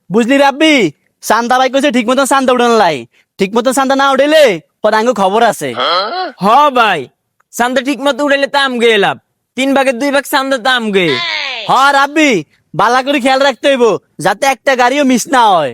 বুঝলি রাব্বি, চান্দা ভাই কইছে ঠিক মতন চান্দা উঠান লাই, ঠিক মতন চান্দা না উঠাইলে পরে আঙ্গ খবর আছে। হ ভাই, চান্দা ঠিক মতো উড়াইলে তো আমগে লাভ, 3 ভাগের 2 ভাগ চান্দা তো আমগে। হ রাব্বি, বালা করে খেয়াল রাখতে হইব যাতে একটা গাড়িও মিস না হয়।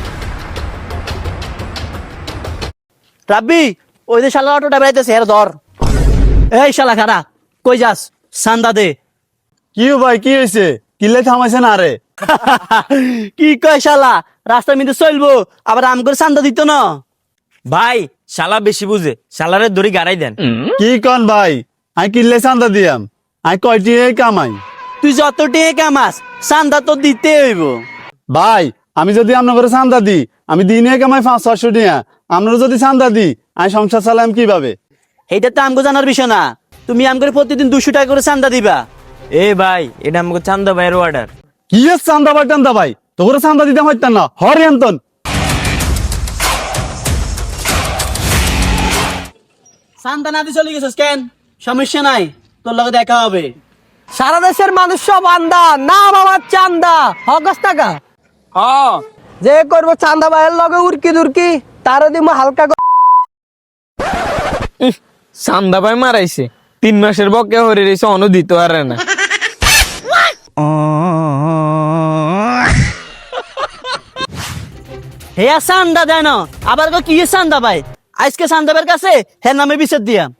রাব্বি, ওই যে শালা অটোটা বেড়াইতেছে এর ধর। এই শালা খারা, কই যাস? চান্দা দে। কি ভাই, কি হয়েছে? কিলে থামাইছে না রে? কি কয় শালা, রাস্তার মধ্যে চলবো আবার আম করে চান্দা দিত না। ভাই শালা বেশি বুঝে, শালারে দড়ি গাড়াই দেন। কি কন ভাই, আমি কিলে চান্দা দিয়াম, আমি কয়টি কামাই? তুই যত টেকে কামাস চান্দা তো দিতে হইব। ভাই আমি যদি আপনার করে চান্দা দিই, আমি দিনে কামাই 500-600 টাকা। আপনারা যদি চান্দা দিই, আমি সংসার চালাম কিভাবে? এইটা তো আমগো জানার বিষয় না। তুমি আম করে প্রতিদিন 200 টাকা করে চান্দা দিবা। এ ভাই, এটা আমাকে চান্দা ভাইয়ের অর্ডার। কি এর চান্দা ভাই টান্দা ভাই, তো করে চান্দা দিতাম হইতাম না হরে আন্তন। চান্দা না দিয়ে চলে গেছিস কেন? সমস্যা নাই, তোর লগে দেখা হবে। সারা দেশের মানুষ সব আন্দা, নাম আমার চান্দা, হগস টাকা হ, যে করবো চান্দা ভাইয়ের লগে উড়কি দুরকি তারও দিব হালকা চান্দা ভাই মারাইছে, 3 মাসের বকে হরে রয়েছে, অন দিতে পারে না। হে চান্দা দেয় না, আবার কয় কি চান্দা ভাই? আজকে চান্দাবের কাছে হে নামে বিচার দিয়াম।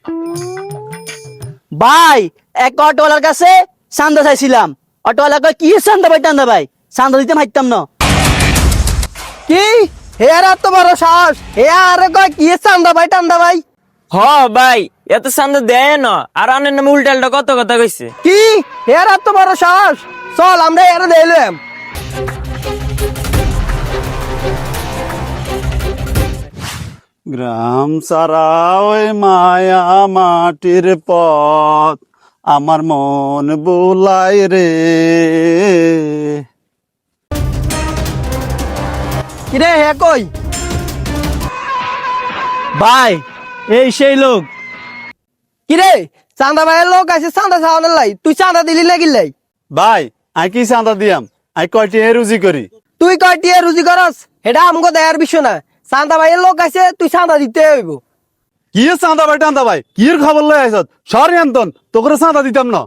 ভাই এক অটোওয়ালার কাছে চান্দা চাইছিলাম, অটোওয়ালা কয় কি চান্দা ভাই টান্দা ভাই, চান্দা দিতে হাইতাম না। কি হেয়ার এত বড় সাহস, হে আরে কয় কি চান্দা ভাই টান্দা ভাই? হ ভাই, এত চান্দা দেয় না, আর আনের নামে উল্টালটা কত কথা কইছে। কি হেয়ার এত বড় সাহস? চল আমরা এর দিলাম। গ্রাম সারা ওই মায়া মাটির পথ, আমার মন বুলাই রে। কিরে হে কই? ভাই এই সেই লোক। কিরে চান্দা ভাইয়ের লোক আছে চান্দা চাওয়ানোর লাই, তুই চান্দা দিলি না গিলাই? ভাই আমি কি চান্দা দিয়াম, আমি কয়টি রুজি করি? তুই কয়টি রুজি করস এটা আমগো দেয়ার বিষয় না। চান্দা ভাইয়ের লোক আছে, তুই চান্দা দিতে হইব। কি এর চান্দা ভাই টান্দা ভাই, কি এর খবর লই আইছত? সরি আন্তন, তো করে চান্দা দিতাম না।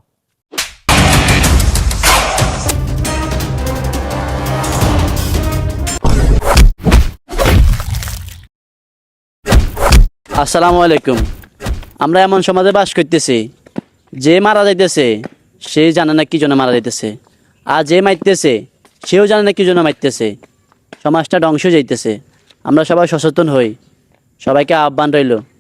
আসসালামু আলাইকুম। আমরা এমন সমাজে বাস করতেছি, যে মারা যাইতেছে সে জানে না কি জন্য মারা যাইতেছে, আর যে মারতেছে সেও জানে না কি জন্য মারতেছে। সমাজটা ধ্বংস যাইতেছে। আমরা সবাই সচেতন হই। সবাইকে আহ্বান রইল।